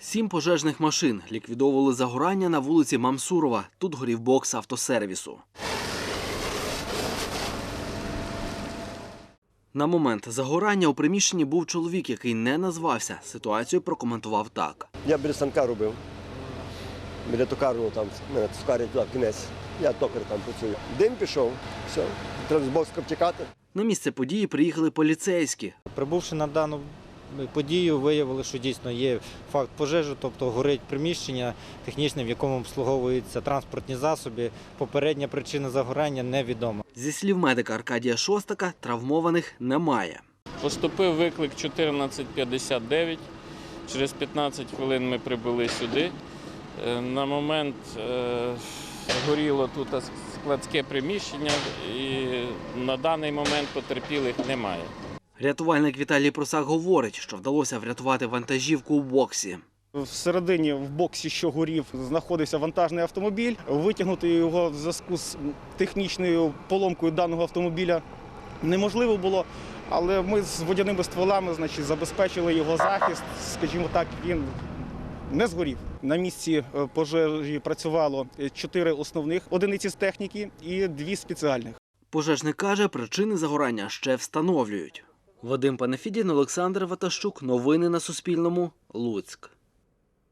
7 пожежних машин ліквідовували загорання на вулиці Мамсурова. Тут горів бокс автосервісу. На момент загорання у приміщенні був чоловік, який не назвався. Ситуацію прокоментував так. Я біля станка робив. Біля токарного там, токарня туди в кінець. Я токар там працюю. Дим пішов, все. Треба з боку втікати. На місце події приїхали поліцейські. Прибувши на дану подію, виявили, що дійсно є факт пожежі, тобто горить приміщення технічне, в якому обслуговуються транспортні засоби. Попередня причина загорання невідома. Зі слів медика Аркадія Шостака, травмованих немає. Поступив виклик 1459. Через 15 хвилин ми прибули сюди. На момент горіло тут складське приміщення і на даний момент потерпілих немає. Рятувальник Віталій Просак говорить, що вдалося врятувати вантажівку у боксі. Всередині в боксі, що горів, знаходився вантажний автомобіль. Витягнути його в зв'язку з технічною поломкою даного автомобіля неможливо було, але ми з водяними стволами забезпечили його захист, скажімо так, він не згорів. На місці пожежі працювало 4 основних одиниці з техніки і 2 спеціальних. Пожежник каже, причини загорання ще встановлюють. Вадим Панафідін, Олександр Ватащук. Новини на Суспільному. Луцьк.